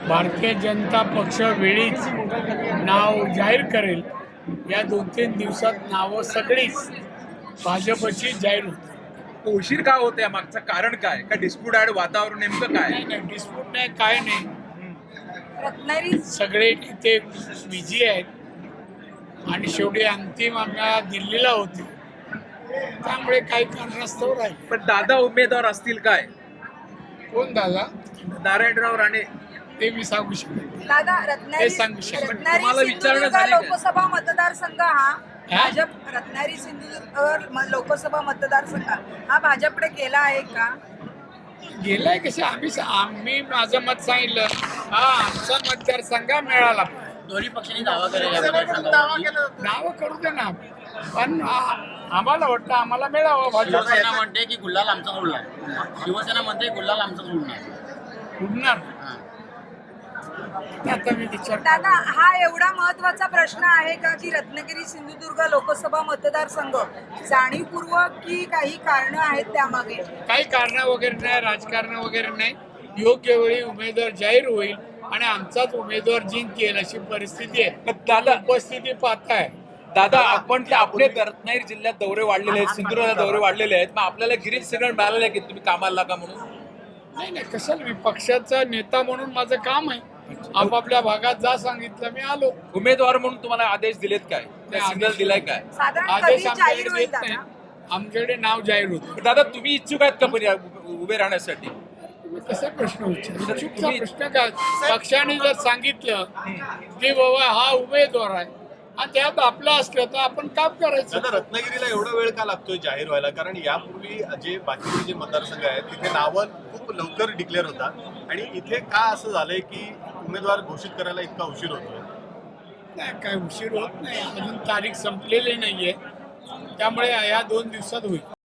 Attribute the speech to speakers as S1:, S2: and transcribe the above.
S1: भारतीय जनता पक्ष वेळीच नाव जाहीर करेल. या 2-3 दिवसात नावं सगळीच भाजपची जाहीर होतील.
S2: उशीर का होते या मागचं कारण काय? का डिस्प्यूट आहे, वातावरण नेमकं काय?
S1: नाही, डिस्प्यूट नाही, काय नाही.
S3: रत्नागिरी
S1: सगळे इथे बिझी आहेत आणि शेवटी अंतिम आम्हाला दिल्लीला होते, त्यामुळे काही कारणास्तव राहील.
S2: पण दादा उमेदवार असतील काय?
S1: कोण दादा?
S2: नारायणराव राणे.
S1: ते मी सांगू शकतो.
S3: दादा
S1: हे सांगू शकतो.
S2: तुम्हाला विचारणं
S3: सिंधुदुर्ग
S2: झालंय का?
S3: लोकसभा मतदारसंघ हा भाजप रत्नागिरी सिंधुदुर्ग लोकसभा मतदारसंघ हा भाजपकडे गेला आहे का?
S1: गेलाय कसे आम्ही माझं मत सांगितलं. हा आमचा मतदारसंघ मिळाला.
S4: दोन्ही पक्षांनी दावा केलेला
S1: नावं करू दे ना, पण आम्हाला वाटतं आम्हाला मिळावं. भाजप
S4: शिवसेना म्हणते की गुल्हाल आमचा उडणार, शिवसेना म्हणते गुल्हाल आमचा उडणार.
S1: उडणार. आता मी विचार
S3: दादा हा एवढा महत्वाचा प्रश्न आहे का की रत्नागिरी सिंधुदुर्ग लोकसभा मतदारसंघ जाणीवपूर्वक की काही कारणं आहेत त्यामागे?
S1: काही कारण वगैरे नाही, राजकारण वगैरे नाही. योग्य वेळी उमेदवार जाहीर होईल आणि आमचाच उमेदवार जिंकेल अशी परिस्थिती आहे.
S2: पण दादा
S1: उपस्थिती पाहताय.
S2: दादा आपण आपले रत्नागिरी जिल्ह्यात दौरे वाढलेले आहेत, सिंधुदुर्गात दौरे वाढलेले आहेत, मग आपल्याला गिरीश सिंगण मिळालेलं आहे की तुम्ही कामाला लागा म्हणून?
S1: नाही, कशाला, मी पक्षाचा नेता म्हणून माझं काम आहे. आपापल्या भागात जा सांगितलं, मी आलो.
S2: उमेदवार म्हणून तुम्हाला आदेश दिलेत काय? सिग्नल दिलाय काय?
S3: साधारण
S1: आदेश
S3: कधी
S1: आमच्याकडे
S3: जाहीर होईल
S1: देत नाही.
S3: दादा?
S1: आमच्याकडे नाव जाहीर होतं.
S2: दादा तुम्ही इच्छुक आहेत का उभे राहण्यासाठी?
S1: तुम्ही कसा प्रश्न विचारला? प्रश्न काय? पक्षाने जर सांगितलं की बाबा हा उमेदवार आहे आणि त्यात आपलं असलं तर आपण काम करायचं.
S5: आता रत्नागिरीला एवढा वेळ का लागतोय जाहीर व्हायला? कारण यापूर्वी जे बाकीचे जे मतदारसंघ आहेत तिथे नावं खूप लवकर डिक्लेअर होतात आणि इथे का असं झालंय की उमेदवार घोषित करायला इतका उशीर होतोय?
S1: नाही, काय उशीर होत नाही. अजून तारीख संपलेली नाहीये, त्यामुळे या 2 दिवसात होईल.